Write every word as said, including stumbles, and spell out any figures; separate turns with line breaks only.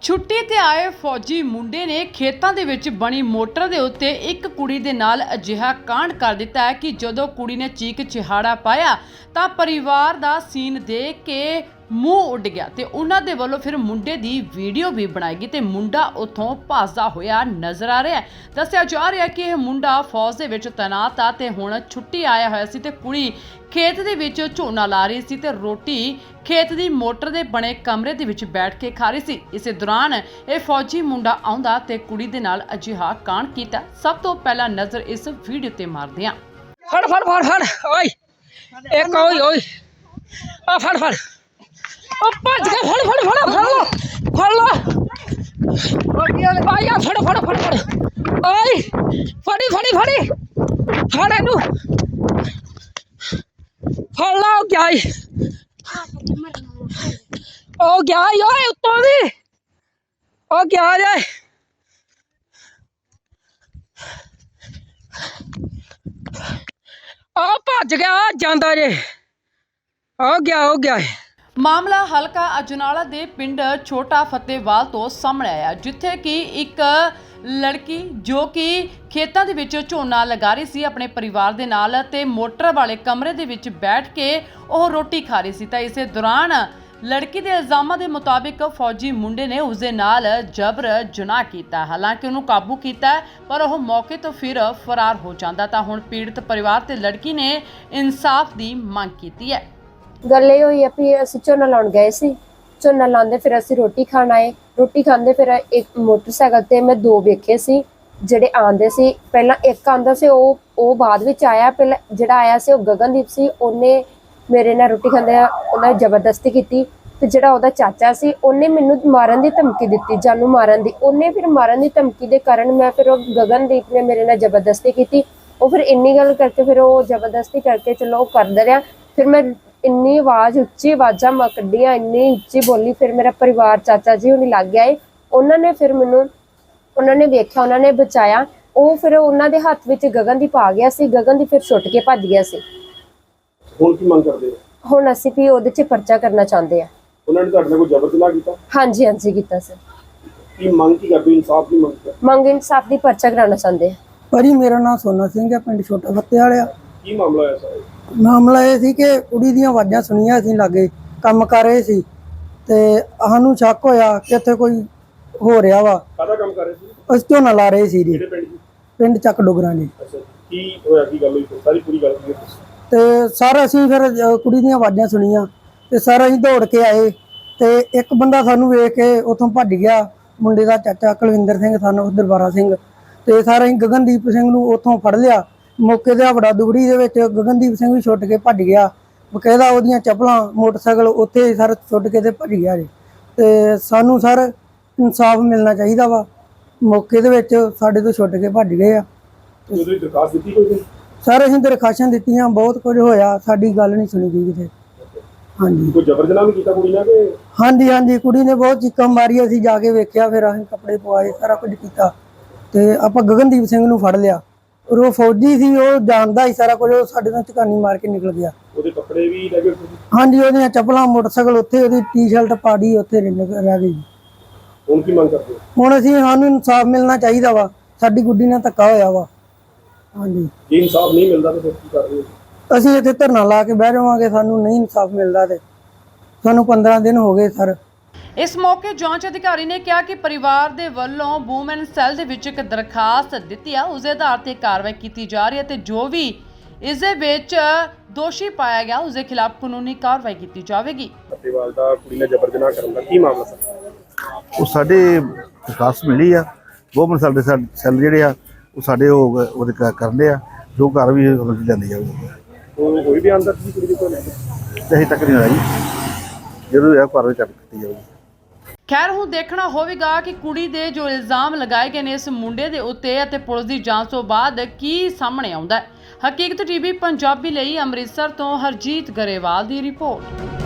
ਛੁੱਟੀ ਤੇ ਆਏ ਫੌਜੀ ਮੁੰਡੇ ਨੇ ਖੇਤਾਂ ਦੇ ਵਿੱਚ ਬਣੀ ਮੋਟਰ ਦੇ ਉੱਤੇ ਇੱਕ ਕੁੜੀ ਦੇ ਨਾਲ ਅਜਿਹਾ ਕਾਂਡ ਕਰ ਦਿੱਤਾ ਹੈ ਕਿ ਜਦੋਂ ਕੁੜੀ ਨੇ ਚੀਕ ਚਿਹਾੜਾ ਪਾਇਆ ਤਾਂ ਪਰਿਵਾਰ ਦਾ ਸੀਨ ਦੇਖ ਕੇ ਮੂੰਹ ਉੱਡ ਗਿਆ ਤੇ ਉਹਨਾਂ ਦੇ ਵੱਲੋਂ ਫਿਰ ਮੁੰਡੇ ਦੀ ਵੀਡੀਓ ਵੀ ਬਣਾਈ ਗਈ ਤੇ ਮੁੰਡਾ ਉੱਥੋਂ ਭੱਜਦਾ ਹੋਇਆ ਨਜ਼ਰ ਆ ਰਿਹਾ ਹੈ। ਦੱਸਿਆ ਜਾ ਰਿਹਾ ਕਿ ਇਹ ਮੁੰਡਾ ਫੌਜ ਦੇ ਵਿੱਚ ਤੈਨਾਤ ਆ ਤੇ ਹੁਣ ਛੁੱਟੀ ਆਇਆ ਹੋਇਆ ਸੀ ਤੇ ਕੁੜੀ ਖੇਤ ਦੇ ਵਿੱਚ ਝੋਨਾ ਲਾ ਰਹੀ ਸੀ ਤੇ ਰੋਟੀ ਖੇਤ ਦੀ ਮੋਟਰ ਦੇ ਬਣੇ ਕਮਰੇ ਦੇ ਵਿੱਚ ਬੈਠ ਕੇ ਖਾ ਰਹੀ ਸੀ। ਇਸੇ ਦੌਰਾਨ ਇਹ ਫੌਜੀ ਮੁੰਡਾ ਆਉਂਦਾ ਤੇ ਕੁੜੀ ਦੇ ਨਾਲ ਅਜਿਹਾ ਕਾਂਡ ਕੀਤਾ। ਸਭ ਤੋਂ ਪਹਿਲਾਂ ਨਜ਼ਰ ਇਸ ਵੀਡੀਓ ਤੇ ਮਾਰਦੇ ਹਾਂ।
ਫੜ ਫੜ ਫੜ ਫੜ ਓਏ ਇੱਕ ਓਏ ਓਏ ਆ ਫੜ ਫੜ ਉਹ ਭੱਜ ਕੇ ਫੜ ਫੜ ਫੜ ਫੜ ਲੋ ਫੜ ਲੋ ਆਇਆ ਫੜ ਫੜ ਫੜ ਫੜ ਓਏ ਫੜੀ ਫੜੀ ਫੜੀ ਫੜ ਇਹਨੂੰ ਫੜ ਲਾ ਉਹ ਗਿਆ ਈ ਉਹ ਗਿਆ ਈ ਓਏ ਉੱਤੋਂ ਦੀ ਉਹ ਗਿਆ ਜੇ ਆ ਭੱਜ ਗਿਆ ਜਾਂਦਾ ਜੇ ਆ ਗਿਆ ਹੋ ਗਿਆ
ਮਾਮਲਾ ਹਲਕਾ ਅਜਨਾਲਾ ਦੇ ਪਿੰਡ ਛੋਟਾ ਫਤਿਹਵਾਲ ਤੋਂ ਸਾਹਮਣੇ ਆਇਆ, ਜਿੱਥੇ ਕਿ ਇੱਕ ਲੜਕੀ ਜੋ ਕਿ ਖੇਤਾਂ ਦੇ ਵਿੱਚ ਝੋਨਾ ਲਗਾ ਰਹੀ ਸੀ ਆਪਣੇ ਪਰਿਵਾਰ ਦੇ ਨਾਲ ਤੇ ਮੋਟਰ ਵਾਲੇ ਕਮਰੇ ਦੇ ਵਿੱਚ ਬੈਠ ਕੇ ਉਹ ਰੋਟੀ ਖਾ ਰਹੀ ਸੀ ਤਾਂ ਇਸੇ ਦੌਰਾਨ ਲੜਕੀ ਦੇ ਇਲਜ਼ਾਮਾਂ ਦੇ ਮੁਤਾਬਿਕ ਫੌਜੀ ਮੁੰਡੇ ਨੇ ਉਸ ਦੇ ਨਾਲ ਜਬਰ ਜਨਾਹ ਕੀਤਾ। ਹਾਲਾਂਕਿ ਉਹਨੂੰ ਕਾਬੂ ਕੀਤਾ ਪਰ ਉਹ ਮੌਕੇ ਤੋਂ ਫਿਰ ਫਰਾਰ ਹੋ ਜਾਂਦਾ ਤਾਂ ਹੁਣ ਪੀੜਤ ਪਰਿਵਾਰ ਤੇ ਲੜਕੀ ਨੇ ਇਨਸਾਫ ਦੀ ਮੰਗ ਕੀਤੀ ਹੈ।
ਗੱਲ ਇਹ ਹੋਈ ਆ ਵੀ ਅਸੀਂ ਝੋਨਾ ਲਾਉਣ ਗਏ ਸੀ। ਝੋਨਾ ਲਾਉਂਦੇ ਫਿਰ ਅਸੀਂ ਰੋਟੀ ਖਾਣ ਆਏ। ਰੋਟੀ ਖਾਂਦੇ ਫਿਰ ਇੱਕ ਮੋਟਰਸਾਈਕਲ ਤੇ ਮੈਂ ਦੋ ਵੇਖੇ ਸੀ ਜਿਹੜੇ ਆਂਦੇ ਸੀ। ਪਹਿਲਾਂ ਇੱਕ ਆਂਦਾ ਸੀ, ਉਹ ਉਹ ਬਾਅਦ ਵਿੱਚ ਆਇਆ। ਪਹਿਲਾਂ ਜਿਹੜਾ ਆਇਆ ਸੀ ਉਹ ਗਗਨਦੀਪ ਸੀ। ਉਹਨੇ ਮੇਰੇ ਨਾਲ ਰੋਟੀ ਖਾਂਦੇ ਉਹਨਾਂ ਜ਼ਬਰਦਸਤੀ ਕੀਤੀ ਤੇ ਜਿਹੜਾ ਉਹਦਾ ਚਾਚਾ ਸੀ ਉਹਨੇ ਮੈਨੂੰ ਮਾਰਨ ਦੀ ਧਮਕੀ ਦਿੱਤੀ, ਜਾਨੂ ਮਾਰਨ ਦੀ। ਉਹਨੇ ਫਿਰ ਮਾਰਨ ਦੀ ਧਮਕੀ ਦੇ ਕਾਰਨ ਮੈਂ ਫਿਰ ਉਹ ਗਗਨਦੀਪ ਨੇ ਮੇਰੇ ਨਾਲ ਜ਼ਬਰਦਸਤੀ ਕੀਤੀ। ਉਹ ਫਿਰ ਇੰਨੀ ਗੱਲ ਕਰਕੇ ਫਿਰ ਉਹ ਜ਼ਬਰਦਸਤੀ ਕਰਕੇ ਚਲੋ ਉਹ ਕਰਦਾ ਰਿਹਾ। ਫਿਰ ਮੈਂ ਇੰਨੀ ਆਵਾਜ਼ ਉੱਚੀ ਆਵਾਜ਼ਾਂ ਮੈਂ ਕੱਢੀਆਂ, ਇੰਨੀ ਉੱਚੀ ਬੋਲੀ। ਫਿਰ ਮੇਰਾ ਪਰਿਵਾਰ ਚਾਚਾ ਜੀ ਉਹਨੇ ਲੱਗ ਗਿਆ ਏ। ਉਹਨਾਂ ਨੇ ਫਿਰ ਮੈਨੂੰ ਉਹਨਾਂ ਨੇ ਵੇਖਿਆ, ਉਹਨਾਂ ਨੇ ਬਚਾਇਆ। ਉਹ ਫਿਰ ਉਹਨਾਂ ਦੇ ਹੱਥ ਵਿੱਚ ਗਗਨਦੀਪ ਆ ਗਿਆ ਸੀ। ਗਗਨਦੀਪ ਫਿਰ ਛੁੱਟ ਕੇ ਭੱਜ ਗਿਆ ਸੀ।
ਹੁਣ ਕੀ ਮੰਗ ਕਰਦੇ ਹੋ?
ਹੁਣ ਅਸੀਂ ਵੀ ਉਹਦੇ 'ਚ ਪਰਚਾ ਕਰਨਾ ਚਾਹੁੰਦੇ ਆ।
ਉਹਨਾਂ ਨੇ ਤੁਹਾਡੇ ਨਾਲ ਕੋਈ ਜ਼ਬਰ ਜਨਾਹ ਕੀਤਾ?
ਹਾਂਜੀ ਹਾਂਜੀ ਕੀਤਾ ਸਰ।
ਕੀ ਮੰਗ ਕੀ ਕਰਦੇ ਹੋ? ਇਨਸਾਫ ਦੀ ਮੰਗ ਕਰ
ਮੰਗ ਇਨਸਾਫ ਦੀ ਪਰਚਾ ਕਰਾਉਣਾ ਚਾਹੁੰਦੇ ਆ।
ਭਾਜੀ ਮੇਰਾ ਨਾਮ ਸੋਨਾ ਸਿੰਘ ਹੈ, ਪਿੰਡ ਛੋਟਾ ਫਤਿਹਵਾਲ ਆ।
ਕੀ ਮਾਮਲਾ ਹੋਇਆ ਸਰ?
ਮਾਮਲਾ ਇਹ ਸੀ ਕਿ ਕੁੜੀ ਦੀਆਂ ਆਵਾਜ਼ਾਂ ਸੁਣੀਆਂ, ਅਸੀਂ ਲਾਗੇ ਕੰਮ ਕਰ ਰਹੇ ਸੀ ਤੇ ਸਾਨੂੰ ਸ਼ੱਕ ਹੋਇਆ ਕਿ ਇੱਥੇ ਕੋਈ ਹੋ ਰਿਹਾ ਵਾ।
ਕਾਹਦਾ ਕੰਮ ਕਰ ਰਹੇ ਸੀ?
ਅਸੀਂ ਝੋਨਾ ਲਾ ਰਹੇ ਸੀ ਜੀ,
ਕਿਹੜੇ ਪਿੰਡ ਦੀ?
ਪਿੰਡ ਚੱਕ ਡੋਗਰਾਂ ਜੀ।
ਅੱਛਾ, ਕੀ ਹੋਇਆ, ਕੀ ਗੱਲ ਹੋਈ? ਸਾਰੀ ਪੂਰੀ ਗੱਲ ਕੀ ਹੈ?
ਤੇ ਸਰ ਅਸੀਂ ਫਿਰ ਅ, ਕੁੜੀ ਦੀਆਂ ਆਵਾਜ਼ਾਂ ਸੁਣੀਆਂ ਤੇ ਸਰ ਅਸੀਂ ਦੌੜ ਕੇ ਆਏ ਤੇ ਇੱਕ ਬੰਦਾ ਸਾਨੂੰ ਵੇਖ ਕੇ ਉੱਥੋਂ ਭੱਜ ਗਿਆ। ਮੁੰਡੇ ਦਾ ਚਾਚਾ ਕੁਲਵਿੰਦਰ ਸਿੰਘ, ਸਾਨੂੰ ਦਰਬਾਰਾ ਸਿੰਘ। ਤੇ ਸਰ ਅਸੀਂ ਗਗਨਦੀਪ ਸਿੰਘ ਨੂੰ ਉੱਥੋਂ ਫੜ ਲਿਆ। ਮੌਕੇ ਤੇ ਬੜਾ ਦੁਗੜੀ ਦੇ ਵਿੱਚ ਗਗਨਦੀਪ ਸਿੰਘ ਵੀ ਛੁੱਟ ਕੇ ਭੱਜ ਗਿਆ। ਬਕਾਇਦਾ ਉਹਦੀਆਂ ਚੱਪਲਾਂ ਮੋਟਰਸਾਈਕਲ ਉੱਥੇ ਸਰ ਛੁੱਟ ਕੇ ਤੇ ਭੱਜ ਗਿਆ ਜੀ। ਤੇ ਸਾਨੂੰ ਸਰ ਇਨਸਾਫ ਮਿਲਣਾ ਚਾਹੀਦਾ ਵਾ। ਮੌਕੇ ਦੇ ਵਿੱਚ ਸਾਡੇ ਤੋਂ ਛੁੱਟ ਕੇ ਭੱਜ ਗਏ ਆ।
ਉਹਦੀ ਦਰਖਾਸਤ ਦਿੱਤੀ ਕੋਈ?
ਸਰ ਅਸੀਂ ਦਰਖਾਸ਼ਾਂ ਦਿੱਤੀਆਂ, ਬਹੁਤ ਕੁਝ ਹੋਇਆ, ਸਾਡੀ ਗੱਲ ਨਹੀਂ ਸੁਣੀ ਗਈ ਕਿਤੇ। ਹਾਂਜੀ,
ਕੋਈ ਜ਼ਬਰ ਜਨਾਹ ਵੀ ਕੀਤਾ ਕੁੜੀ ਨਾਲ ਕਿ?
ਹਾਂਜੀ ਹਾਂਜੀ ਕੁੜੀ ਨੇ ਬਹੁਤ ਚੀਕਾਂ ਮਾਰੀ। ਅਸੀਂ ਜਾ ਕੇ ਵੇਖਿਆ, ਫਿਰ ਅਸੀਂ ਕੱਪੜੇ ਪਵਾਏ, ਸਾਰਾ ਕੁਝ ਕੀਤਾ ਤੇ ਆਪਾਂ ਗਗਨਦੀਪ ਸਿੰਘ ਨੂੰ ਫੜ ਲਿਆ। ਉਹ ਫੌਜੀ ਸੀ, ਉਹ ਜਾਣਦਾ ਹੀ ਸਾਰਾ ਕੁਝ। ਉਹ ਸਾਡੇ ਤੋਂ ਝਕਾਨੀ ਮਾਰ ਕੇ ਨਿਕਲ ਗਿਆ।
ਉਹਦੇ ਕੱਪੜੇ ਵੀ ਲੈ ਗਏ?
ਹਾਂਜੀ, ਉਹਦੀਆਂ ਚੱਪਲਾਂ, ਮੋਟਰਸਾਈਕਲ ਉੱਥੇ, ਉਹਦੀ ਟੀ-ਸ਼ਰਟ ਪਾੜੀ ਉੱਥੇ ਰਹਿ ਗਈ।
ਹੁਣ ਕੀ ਮੰਗ ਕਰਦੇ ਹੋ?
ਹੁਣ ਅਸੀਂ ਸਾਨੂੰ ਇਨਸਾਫ ਮਿਲਣਾ ਚਾਹੀਦਾ ਵਾ। ਸਾਡੀ ਗੁੱਡੀ ਨਾਲ ਧੱਕਾ ਹੋਇਆ ਵਾ। ਹਾਂਜੀ,
ਜੇ ਇਨਸਾਫ ਨਹੀਂ ਮਿਲਦਾ ਤਾਂ ਫਿਰ ਕੀ ਕਰਦੇ ਹੋ?
ਅਸੀਂ ਇੱਥੇ ਧਰਨਾ ਲਾ ਕੇ ਬਹਿ ਜਾਵਾਂਗੇ। ਸਾਨੂੰ ਨਹੀਂ ਇਨਸਾਫ ਮਿਲਦਾ ਤੇ ਸਾਨੂੰ ਪੰਦਰਾਂ ਦਿਨ ਹੋ ਗਏ ਸਰ।
ਇਸ ਮੌਕੇ ਜਾਂਚ ਅਧਿਕਾਰੀ ਨੇ ਕਿਹਾ ਕਿ ਪਰਿਵਾਰ ਦੇ ਵੱਲੋਂ ਵੂਮਨ ਸੈੱਲ ਦੇ ਵਿੱਚ ਇੱਕ ਦਰਖਾਸਤ ਦਿੱਤੀ ਆ, ਉਸ ਦੇ ਆਧਾਰ ਤੇ ਕਾਰਵਾਈ ਕੀਤੀ ਜਾ ਰਹੀ ਹੈ ਤੇ ਜੋ ਵੀ ਇਸ ਦੇ ਵਿੱਚ ਦੋਸ਼ੀ ਪਾਇਆ ਗਿਆ ਉਸ ਦੇ ਖਿਲਾਫ ਕਾਨੂੰਨੀ ਕਾਰਵਾਈ ਕੀਤੀ ਜਾਵੇਗੀ।
ਫਤਿਹਵਾਲ ਦਾ ਕੁੜੀ ਨਾਲ ਜ਼ਬਰ ਜਨਾਹ ਕਰਨ ਦਾ ਕੀ ਮਾਮਲਾ ਸਰ?
ਉਹ ਸਾਡੇ ਦਰਖਾਸਤ ਮਿਲੀ ਆ। ਵੂਮਨ ਸੈੱਲ ਦੇ ਸੈੱਲ ਜਿਹੜੇ ਆ ਉਹ ਸਾਡੇ ਉਹ ਉਹਦੇ ਕਰਦੇ ਆ, ਜੋ ਘਰ ਵੀ ਜਾਂਦੀ ਜਾਊਗੀ।
ਉਹ ਕੋਈ ਵੀ ਆਂਦਾ ਸੀ ਕੁੜੀ ਦੇ ਕੋਲ?
ਅਜੇ ਤੱਕ ਨਹੀਂ ਹੋਇਆ ਜੀ, ਜਦੋਂ ਇਹ ਘਰ ਵਿੱਚ ਕੀਤੀ ਜਾਊਗੀ।
ਖੈਰ ਹੁਣ ਦੇਖਣਾ ਹੋਵੇਗਾ ਕਿ ਕੁੜੀ ਦੇ ਜੋ ਇਲਜ਼ਾਮ ਲਗਾਏ ਗਏ ਨੇ ਇਸ ਮੁੰਡੇ ਦੇ ਉੱਤੇ ਅਤੇ ਪੁਲਿਸ ਦੀ ਜਾਂਚ ਤੋਂ ਬਾਅਦ ਕੀ ਸਾਹਮਣੇ ਆਉਂਦਾ ਹੈ। ਹਕੀਕਤ ਟੀਵੀ ਪੰਜਾਬੀ ਲਈ ਅੰਮ੍ਰਿਤਸਰ ਤੋਂ ਹਰਜੀਤ ਗਰੇਵਾਲ ਦੀ ਰਿਪੋਰਟ।